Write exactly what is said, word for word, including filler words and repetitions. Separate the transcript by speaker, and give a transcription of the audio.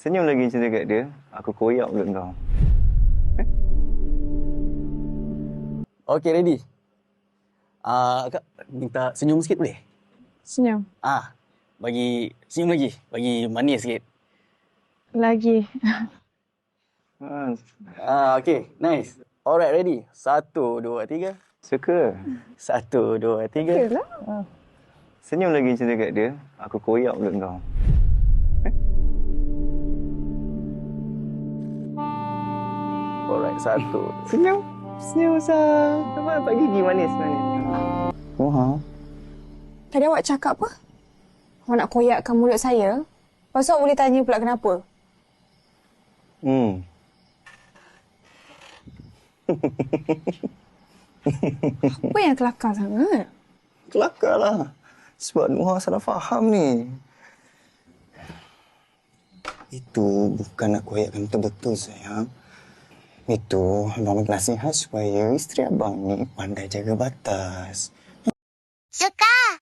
Speaker 1: Senyum lagi macam dekat dia, aku koyak mulut kau.
Speaker 2: Okey, ready? Ah, Kak, minta senyum sikit boleh?
Speaker 3: Senyum.
Speaker 2: Ah, bagi senyum lagi, bagi manis sikit.
Speaker 3: Lagi.
Speaker 1: Ha,
Speaker 2: Ah, okey, nice. Alright, ready? Satu, dua, tiga.
Speaker 1: suka.
Speaker 2: Satu, dua, tiga.
Speaker 3: Yalah.
Speaker 1: Senyum lagi macam dekat dia, aku koyak mulut kau.
Speaker 2: Alright, satu.
Speaker 1: Senyum. Senyum, Sal. Nampak nampak gigi manis manis. Oh, ha.
Speaker 3: Tadi awak cakap apa? Awak nak koyakkan mulut saya? Lepas tu awak boleh tanya pula kenapa?
Speaker 1: Hmm.
Speaker 3: Apa yang kelakar sangat?
Speaker 1: Kelakarlah. Sebab Nuha salah faham ni. Itu bukan nak koyakkan betul-betul, sayang. Itu abang bagi nasihat supaya isteri abang ni pandai jaga batas.
Speaker 4: Suka!